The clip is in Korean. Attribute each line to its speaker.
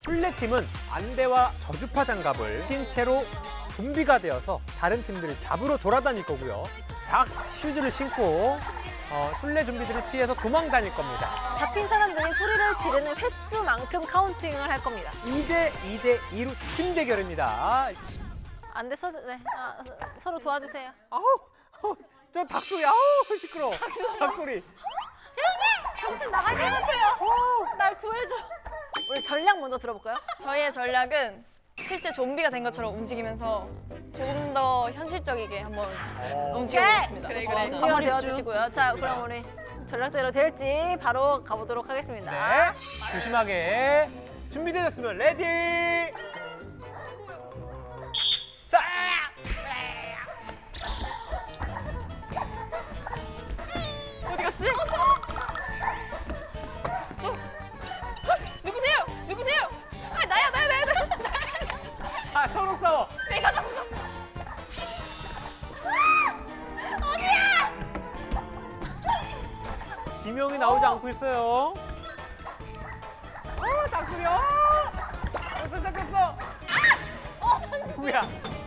Speaker 1: 술래팀은 안대와 저주파 장갑을 낀 채로 좀비가 되어서 다른 팀들을 잡으러 돌아다닐 거고요. 박 슈즈를 신고 술래 좀비들을 피해서 도망다닐 겁니다.
Speaker 2: 잡힌 사람들이 소리를 지르는 횟수만큼 카운팅을 할 겁니다.
Speaker 1: 2대 2로 팀 대결입니다.
Speaker 2: 안 돼, 서로 도와주세요.
Speaker 1: 아우, 저 닭소리, 아우, 시끄러워. 닭소리.
Speaker 2: 정신 나갈 것 같아요. 날 구해줘. 우리 전략 먼저 들어볼까요?
Speaker 3: 저희의 전략은 실제 좀비가 된 것처럼 움직이면서 조금 더 현실적이게 한번 움직여보겠습니다.
Speaker 2: 한번 되어주시고요. 자, 그럼 우리 전략대로 될지 바로 가보도록 하겠습니다.
Speaker 1: 네, 조심하게. 준비되셨으면 레디! 스타트!
Speaker 3: 어디 갔지? 누구세요? 누구세요? 아, 나야.
Speaker 1: 아, 서로 싸워.
Speaker 3: 내가 잡았어. 어디야?
Speaker 1: 비명이 나오지 않고 있어요. 닭소리, 벌써 시작했어. 누구야?